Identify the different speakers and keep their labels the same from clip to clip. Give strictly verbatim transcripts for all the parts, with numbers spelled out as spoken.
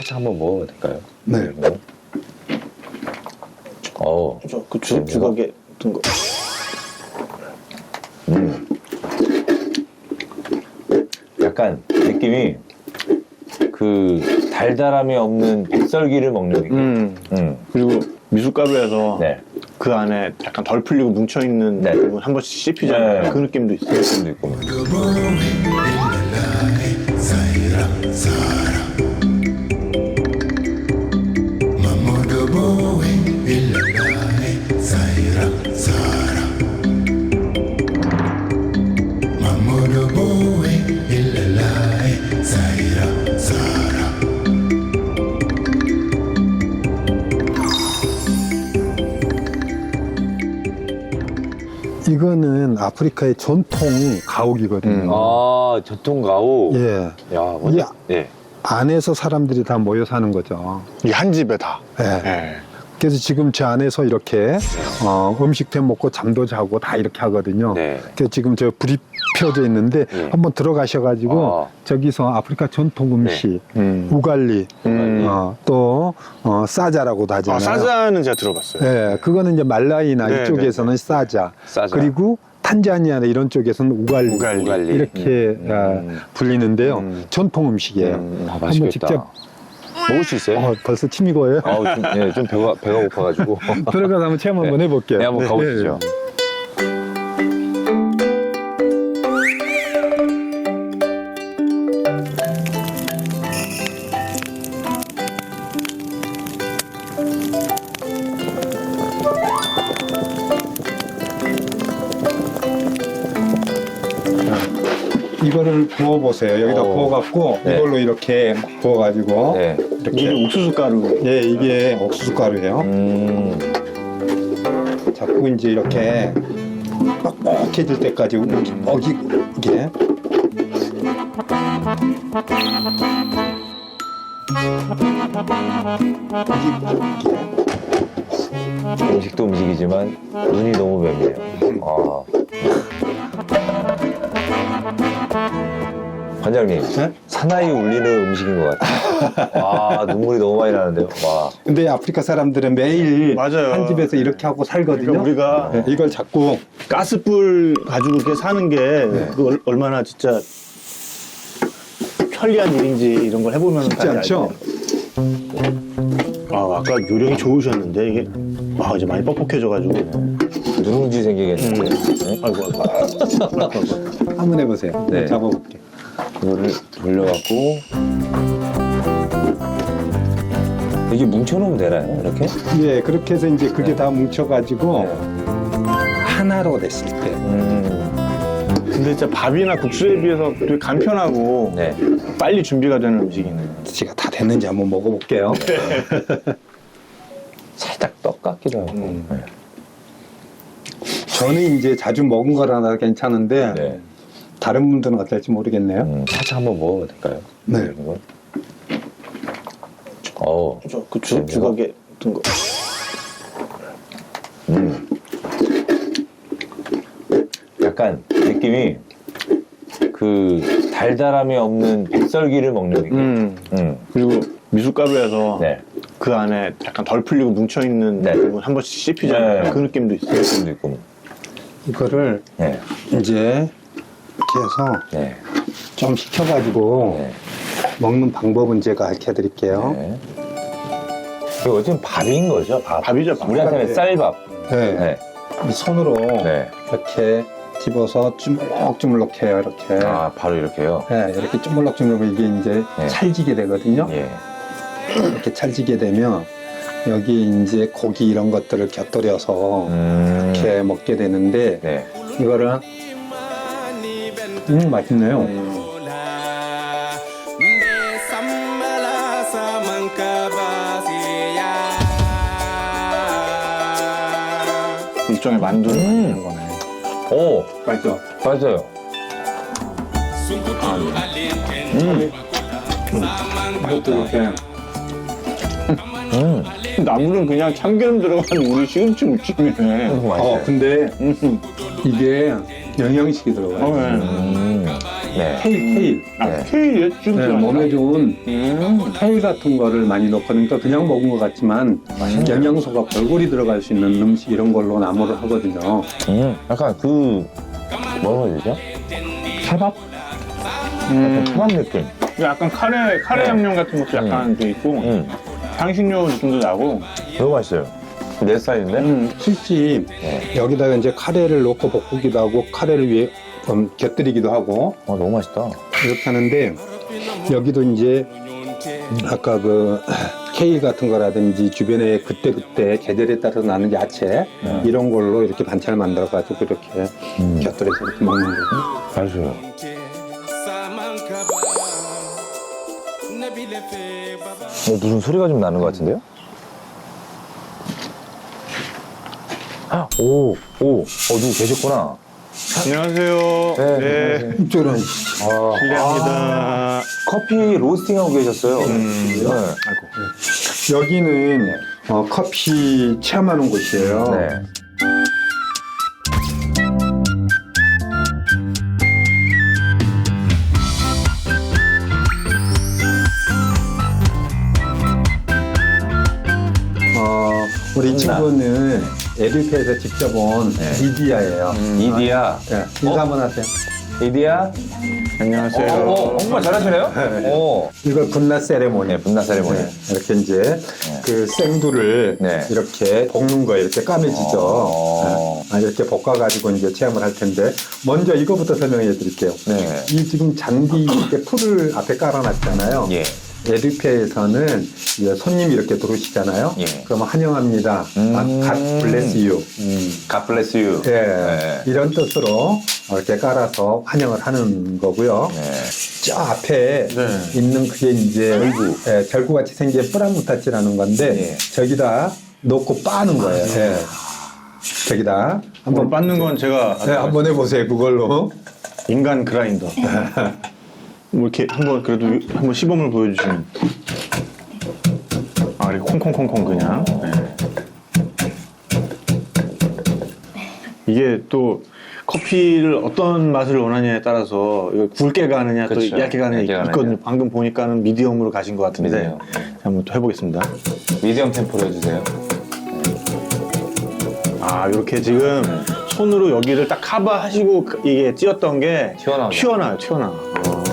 Speaker 1: 살짝 한번 먹어도 될까요?
Speaker 2: 네.
Speaker 1: 어,
Speaker 3: 그 주, 주걱에 든 거.
Speaker 1: 음. 약간 느낌이 그 달달함이 없는 백설기를 먹는 느낌.
Speaker 3: 음.
Speaker 1: 음.
Speaker 3: 그리고 미숫가루에서
Speaker 1: 네.
Speaker 3: 그 안에 약간 덜 풀리고 뭉쳐있는
Speaker 1: 네.
Speaker 3: 부분 한 번씩 씹히잖아요.
Speaker 1: 네.
Speaker 3: 그 느낌도 있어요.
Speaker 1: 느낌도 있고.
Speaker 2: 이거는 아프리카의 전통 가옥이거든요.
Speaker 1: 아, 전통 가옥.
Speaker 2: 예.
Speaker 1: 야, 완전.
Speaker 2: 야.
Speaker 1: 예.
Speaker 2: 안에서 사람들이 다 모여 사는 거죠.
Speaker 3: 이 한 집에 다.
Speaker 2: 예.
Speaker 3: 네.
Speaker 2: 그래서 지금 저 안에서 이렇게 어, 음식도 해 먹고 잠도 자고 다 이렇게 하거든요.
Speaker 1: 네.
Speaker 2: 그래서 지금 저 불이 펴져 있는데
Speaker 1: 네.
Speaker 2: 한번 들어가셔가지고
Speaker 1: 아.
Speaker 2: 저기서 아프리카 전통 음식
Speaker 3: 음.
Speaker 2: 우갈리
Speaker 3: 음.
Speaker 2: 어, 또 어, 사자라고도 하잖아요.
Speaker 3: 아, 사자는 제가 들어봤어요.
Speaker 2: 예, 그거는 이제 말라이나
Speaker 3: 네,
Speaker 2: 이쪽에서는
Speaker 3: 네,
Speaker 2: 사자.
Speaker 1: 사자.
Speaker 2: 그리고 탄자니아나 이런 쪽에서는 우갈리,
Speaker 3: 우갈리.
Speaker 1: 우갈리.
Speaker 2: 이렇게
Speaker 1: 음.
Speaker 2: 아,
Speaker 1: 음.
Speaker 2: 불리는데요.
Speaker 3: 음.
Speaker 2: 전통 음식이에요.
Speaker 3: 음.
Speaker 1: 아,
Speaker 2: 한번
Speaker 1: 맛있겠다.
Speaker 2: 직접
Speaker 1: 먹을 수 있어요?
Speaker 2: 어, 벌써 침이 고여요.
Speaker 1: 아우, 좀, 예, 좀 배가, 배가 고파가지고.
Speaker 2: 들어가서 한번 체험 한번
Speaker 1: 네.
Speaker 2: 해볼게요.
Speaker 1: 네, 한번 가보시죠.
Speaker 2: 이거를 부어보세요. 여기다
Speaker 1: 어.
Speaker 2: 부어갖고
Speaker 1: 네.
Speaker 2: 이걸로 이렇게 부어가지고
Speaker 1: 네.
Speaker 2: 이렇게.
Speaker 3: 이게 옥수수 가루.
Speaker 2: 예, 이게 옥수수 가루예요.
Speaker 1: 음.
Speaker 2: 자꾸 이제 이렇게 뻑뻑해질 때까지 먹이 이게
Speaker 1: 음식도 음식이지만 눈이 너무 맵네요. 아. 관장님,
Speaker 2: 네?
Speaker 1: 사나이 울리는 음식인 것 같아요. 와, 눈물이 너무 많이 나는데요. 와.
Speaker 2: 근데 아프리카 사람들은 매일
Speaker 3: 맞아요.
Speaker 2: 한 집에서 이렇게 하고 살거든요.
Speaker 3: 그러니까 우리가
Speaker 2: 네, 이걸 자꾸
Speaker 3: 가스불 가지고 이렇게 사는 게 그 얼- 얼마나 진짜 편리한 일인지 이런 걸 해보면
Speaker 2: 쉽지 않죠?
Speaker 3: 아, 아까 요령이 좋으셨는데 이게 아, 이제 많이 뻑뻑해져가지고.
Speaker 1: 누룽지 생기겠는데. 네?
Speaker 3: 아이고, 아이고. 아이고, 아이고.
Speaker 2: 한번 해보세요.
Speaker 1: 네.
Speaker 2: 잡아볼게요.
Speaker 1: 그거를 돌려갖고. 이게 뭉쳐놓으면 되나요? 이렇게?
Speaker 2: 예, 그렇게 해서 이제 그게
Speaker 1: 네.
Speaker 2: 다 뭉쳐가지고
Speaker 1: 네.
Speaker 2: 하나로 됐을 때
Speaker 1: 음.
Speaker 3: 근데 진짜 밥이나 국수에 비해서 되게 간편하고
Speaker 1: 네.
Speaker 3: 빨리 준비가 되는 음식이네요.
Speaker 2: 제가 다 됐는지 한번 먹어볼게요.
Speaker 1: 살짝 떡 같기도 하고.
Speaker 3: 음.
Speaker 1: 네.
Speaker 2: 저는 이제 자주 먹은 거라서 괜찮은데
Speaker 1: 네.
Speaker 2: 다른 분들은 어떨지 모르겠네요.
Speaker 1: 음, 살짝 한번 먹어도 될까요?
Speaker 2: 네.
Speaker 1: 이거? 어.
Speaker 3: 그 주, 주걱에 든 거.
Speaker 1: 음. 약간 느낌이 그 달달함이 없는 백설기를 먹는 느낌.
Speaker 3: 음.
Speaker 1: 음.
Speaker 3: 그리고 미숫가루에서
Speaker 1: 네.
Speaker 3: 그 안에 약간 덜 풀리고 뭉쳐있는
Speaker 1: 네.
Speaker 3: 부분 한 번씩 씹히잖아요.
Speaker 1: 네.
Speaker 3: 그 느낌도 있어요.
Speaker 1: 느낌도 있고.
Speaker 2: 이거를
Speaker 1: 네.
Speaker 2: 이제 이렇게 해서
Speaker 1: 네.
Speaker 2: 좀 식혀가지고
Speaker 1: 네.
Speaker 2: 먹는 방법은 제가 알려드릴게요.
Speaker 1: 네. 이거 어쨌든 밥인 거죠? 밥.
Speaker 3: 밥이죠, 밥.
Speaker 1: 우리한테는 쌀밥.
Speaker 2: 네.
Speaker 1: 네.
Speaker 2: 이 손으로
Speaker 1: 네.
Speaker 2: 이렇게 집어서 주물럭주물럭 해요. 이렇게.
Speaker 1: 아, 바로 이렇게요?
Speaker 2: 네, 이렇게 주물럭주물럭 이게 이제
Speaker 1: 네.
Speaker 2: 찰지게 되거든요.
Speaker 1: 예.
Speaker 2: 이렇게 찰지게 되면 여기 이제 고기 이런 것들을 곁들여서
Speaker 1: 음.
Speaker 2: 이렇게 먹게 되는데
Speaker 1: 네.
Speaker 2: 이거를 음 맛있네요.
Speaker 3: 음. 일종의 만두를
Speaker 1: 음.
Speaker 3: 만드는 거네.
Speaker 1: 오,
Speaker 2: 맛있어.
Speaker 1: 맞아요. 음.
Speaker 2: 이것도 이렇게
Speaker 1: 음.
Speaker 3: 나물은 그냥 참기름 들어간 우리 시금치 무침이네.
Speaker 1: 이거
Speaker 2: 어
Speaker 1: 맛있어요.
Speaker 2: 근데
Speaker 3: 음.
Speaker 2: 이게 영양식이 들어가요.
Speaker 3: 어, 네.
Speaker 1: 음. 네.
Speaker 2: 케일, 케일.
Speaker 3: 아,
Speaker 1: 네.
Speaker 3: 케일 쭉
Speaker 2: 네, 몸에 좋은 케일 같은 거를 많이 넣거든요. 그러니까 그냥 먹은 것 같지만 영양소가 골고루 들어갈 수 있는 음식 이런 걸로 나무를 하거든요.
Speaker 1: 음, 약간 그 뭐라고 해야 되죠? 케밥? 약간 케밥 느낌.
Speaker 3: 약간 카레 카레
Speaker 1: 네.
Speaker 3: 양념 같은 것도 약간 돼 있고
Speaker 1: 음,
Speaker 3: 향신료 느낌도 나고.
Speaker 1: 너무 맛있어요. 내 스타일인데?
Speaker 2: 음, 실제
Speaker 1: 네.
Speaker 2: 여기다가 이제 카레를 넣고 볶기도 하고 카레를 위해 음, 곁들이기도 하고
Speaker 1: 어, 너무 맛있다.
Speaker 2: 이렇게 하는데 여기도 이제 아까 그 케일 같은 거라든지 주변에 그때그때 계절에 따라서 나는 야채
Speaker 1: 네.
Speaker 2: 이런 걸로 이렇게 반찬을 만들어 가지고 이렇게
Speaker 1: 음.
Speaker 2: 곁들여서 이렇게 먹는 거고.
Speaker 1: 맛있어요. 어, 무슨 소리가 좀 나는 것 같은데요? 아, 오, 오, 어, 누구 계셨구나.
Speaker 3: 안녕하세요.
Speaker 1: 네,
Speaker 3: 네.
Speaker 1: 안녕하세요.
Speaker 2: 이쪽으로
Speaker 1: 아,
Speaker 3: 실례합니다.
Speaker 1: 커피 로스팅하고 계셨어요.
Speaker 3: 음.
Speaker 1: 네.
Speaker 3: 아이고.
Speaker 2: 여기는 어, 커피 체험하는 곳이에요.
Speaker 1: 네.
Speaker 2: 어, 우리 이 친구는 에듀페에서 직접 온
Speaker 1: 네.
Speaker 2: 리디아예요.
Speaker 1: 이디야.
Speaker 2: 네, 인사 한번 하세요.
Speaker 1: 이디야?
Speaker 3: 안녕하세요.
Speaker 1: 어, 어, 정말 잘하시네요? 어.
Speaker 2: 이걸 분나 세레모니.
Speaker 1: 네, 분나 세레모니.
Speaker 2: 네, 이렇게 이제 그 생두를
Speaker 1: 네.
Speaker 2: 이렇게 볶는 거예요. 이렇게 까매지죠.
Speaker 1: 어.
Speaker 2: 네. 아, 이렇게 볶아가지고 이제 체험을 할 텐데 먼저 이거부터 설명해 드릴게요.
Speaker 1: 네.
Speaker 2: 이 지금 잔디 이렇게 풀을 앞에 깔아놨잖아요.
Speaker 1: 예.
Speaker 2: 에듀페에서는 이제 손님이 이렇게 들어오시잖아요.
Speaker 1: 예.
Speaker 2: 그러면 환영합니다.
Speaker 1: 음.
Speaker 2: 아, God bless you.
Speaker 1: God bless you.
Speaker 2: 예,
Speaker 1: 네.
Speaker 2: 이런 뜻으로 이렇게 깔아서 환영을 하는 거고요.
Speaker 1: 네.
Speaker 2: 저 앞에
Speaker 3: 네.
Speaker 2: 있는 그게 이제 절구, 예, 절구같이 생긴 뿌라무타치라는 건데
Speaker 1: 예.
Speaker 2: 저기다 놓고 빠는 거예요. 예. 저기다
Speaker 3: 한번
Speaker 2: 한번
Speaker 3: 빻는 건 제가
Speaker 2: 네, 한번 해보세요. 그걸로.
Speaker 3: 인간 그라인더. 뭐 이렇게 한번 그래도 한번 시범을 보여주시면. 아, 이렇게 콩콩콩콩 그냥. 네. 이게 또 커피를 어떤 맛을 원하냐에 따라서 이거 굵게 가느냐 또
Speaker 1: 그렇죠.
Speaker 3: 얇게 가느냐
Speaker 1: 얇게 가느냐.
Speaker 3: 있거든요. 방금 보니까는 미디엄으로 가신 것 같은데
Speaker 1: 미디엄.
Speaker 3: 한번 또 해보겠습니다.
Speaker 1: 미디엄 템포로 해주세요.
Speaker 3: 아, 이렇게 지금 손으로 여기를 딱 커버하시고 그- 이게 찧었던 게
Speaker 1: 튀어나오죠.
Speaker 3: 튀어나와요, 튀어나와. 아.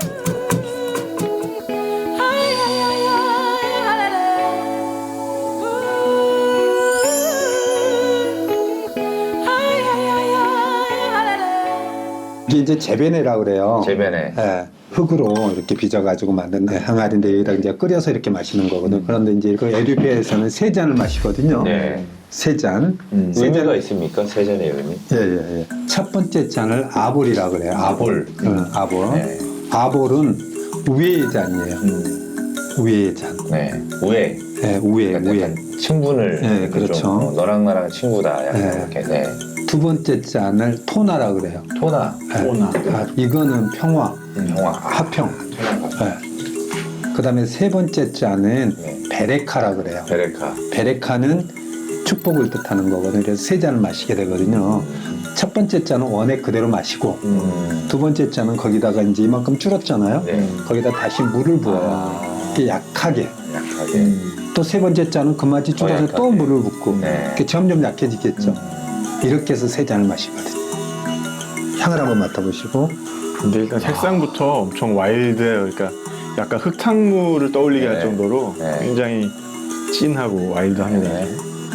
Speaker 2: 이게 이제 재배네라 그래요.
Speaker 1: 재배네.
Speaker 2: 예, 흙으로 이렇게 빚어가지고 만든 항아리인데 여기다 이제 끓여서 이렇게 마시는 거거든. 그런데 이제 그 에듀페에서는 세 잔을 마시거든요.
Speaker 1: 네.
Speaker 2: 세 잔.
Speaker 1: 음,
Speaker 2: 세 잔.
Speaker 1: 의미가 있습니까? 세 잔의 의미?
Speaker 2: 예, 예, 예. 첫 번째 잔을 아볼이라 그래요. 아볼. 응, 아볼.
Speaker 1: 네.
Speaker 2: 아볼은 우회의 잔이에요.
Speaker 1: 음.
Speaker 2: 우회의 잔.
Speaker 1: 네. 우애.
Speaker 2: 예, 우회,
Speaker 1: 약간
Speaker 2: 우회.
Speaker 1: 친분을.
Speaker 2: 네,
Speaker 1: 이렇게
Speaker 2: 그렇죠.
Speaker 1: 좀, 어, 너랑 나랑 친구다. 약간
Speaker 2: 네.
Speaker 1: 이렇게. 네.
Speaker 2: 두 번째 잔을 토나라 그래요.
Speaker 1: 토나.
Speaker 2: 예.
Speaker 3: 토나.
Speaker 2: 아, 이거는 평화,
Speaker 1: 영화.
Speaker 2: 화평. 예. 그 다음에 세 번째 잔은
Speaker 1: 네.
Speaker 2: 베레카라 그래요.
Speaker 1: 베레카.
Speaker 2: 베레카는 축복을 뜻하는 거거든요. 그래서 세 잔을 마시게 되거든요. 첫 번째 잔은 원액 그대로 마시고,
Speaker 1: 음.
Speaker 2: 두 번째 잔은 거기다가 이제 이만큼 줄었잖아요.
Speaker 1: 네.
Speaker 2: 거기다 다시 물을 부어요.
Speaker 1: 아.
Speaker 2: 이렇게 약하게.
Speaker 1: 약하게.
Speaker 2: 또 세 번째 잔은 그 맛이 줄어서
Speaker 1: 약하게.
Speaker 2: 또 물을 붓고,
Speaker 1: 네.
Speaker 2: 이렇게 점점 약해지겠죠. 이렇게 해서 세 잔을 마시거든요. 향을 한번 맡아보시고.
Speaker 3: 근데 일단 색상부터 엄청 와일드해요. 그러니까 약간 흙탕물을 떠올리게 할
Speaker 1: 네.
Speaker 3: 정도로
Speaker 1: 네.
Speaker 3: 굉장히 진하고 와일드합니다.
Speaker 1: 네.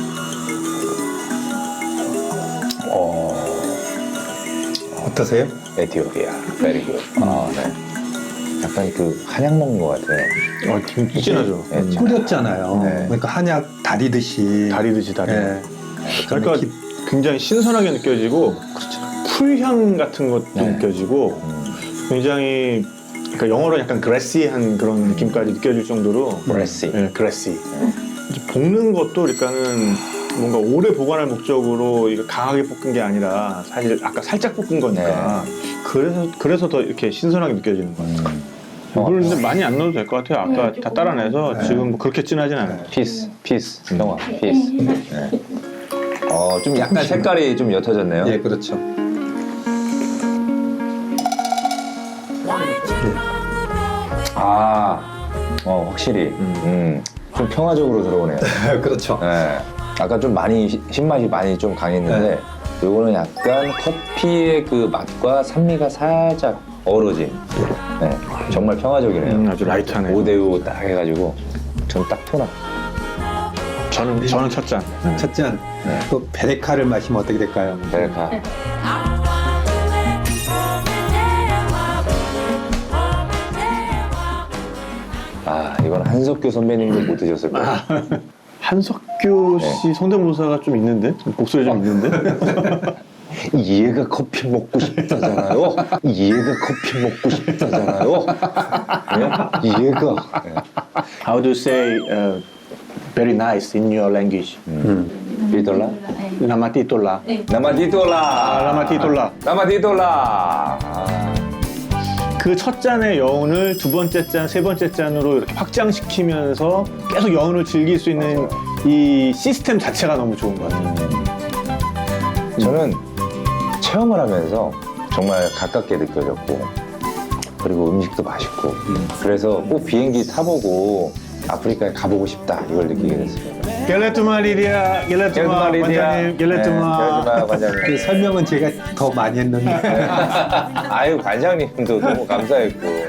Speaker 1: 어,
Speaker 2: 어떠세요?
Speaker 1: 에티오피아. 베리 굿. 아, 네. 약간 그 한약 먹는 것 같아요.
Speaker 3: 어, 진짜 진하죠.
Speaker 1: 네,
Speaker 3: 음.
Speaker 2: 끓였잖아요.
Speaker 1: 네.
Speaker 2: 그러니까 한약 다리듯이.
Speaker 3: 다리듯이 다리.
Speaker 2: 예.
Speaker 3: 그러니까
Speaker 2: 기-
Speaker 3: 굉장히 신선하게 느껴지고 풀향 같은 것도
Speaker 1: 네.
Speaker 3: 느껴지고
Speaker 1: 음.
Speaker 3: 굉장히 그러니까 영어로 약간 그레시한 그런 느낌까지 느껴질 정도로
Speaker 1: 그레시.
Speaker 3: 네, 그레시. 이제 볶는 것도 그러니까는 뭔가 오래 보관할 목적으로 이거 강하게 볶은 게 아니라 사실 아까 살짝 볶은 거니까 그래서 그래서 더 이렇게 신선하게 느껴지는 거예요.
Speaker 1: 음.
Speaker 3: 물을 근데 많이 안 넣어도 될 것 같아요. 아까 다 따라내서
Speaker 2: 네.
Speaker 3: 지금 뭐 그렇게 진하진 않아요.
Speaker 1: 피스, 피스, 영화, 피스. 네. 어, 좀 약간 색깔이 좀 옅어졌네요.
Speaker 2: 예, 그렇죠.
Speaker 1: 아, 어, 확실히. 음, 좀 평화적으로 들어오네요.
Speaker 2: 그렇죠.
Speaker 1: 네. 아까 좀 많이, 시- 신맛이 많이 좀 강했는데,
Speaker 2: 네.
Speaker 1: 요거는 약간 커피의 그 맛과 산미가 살짝 어우러진. 네. 정말 평화적이네요.
Speaker 3: 음, 아주 라이트하네요.
Speaker 1: 오 대 오 딱 해가지고, 전 딱 토나.
Speaker 3: 저는 저는 첫 잔. 네.
Speaker 2: 첫 잔.
Speaker 1: 네.
Speaker 2: 또 베레카를 마시면 어떻게 될까요?
Speaker 1: 베레카. 아, 이건 한석규 선배님도 못 드셨을 거예요.
Speaker 3: 한석규 씨 성대모사가 좀 있는데 목소리 좀 있는데.
Speaker 1: 얘가 커피 먹고 싶다잖아요. 얘가 커피 먹고 싶다잖아요. 예? 얘가. 예.
Speaker 3: How do you say uh, very nice in your language?
Speaker 1: 비돌라?
Speaker 3: 라마티톨라.
Speaker 1: 나마디돌라.
Speaker 3: 아, 라마티톨라.
Speaker 1: 나마디돌라. 아,
Speaker 3: 그 첫 잔의 여운을 두 번째 잔, 세 번째 잔으로 이렇게 확장시키면서 계속 여운을 즐길 수 있는 이 시스템 자체가 너무 좋은 것 같아요.
Speaker 1: 저는 체험을 하면서 정말 가깝게 느껴졌고, 그리고 음식도 맛있고, 그래서 꼭 비행기 타보고 아프리카에 가보고 싶다 이걸 느끼게 됐어요.
Speaker 3: 겔레투마 리리아, 겔레투마 관장님, 겔레투마.
Speaker 1: 네, 관장님.
Speaker 2: 그 설명은 제가 더 많이 했는데.
Speaker 1: 아유, 관장님도 너무 감사했고.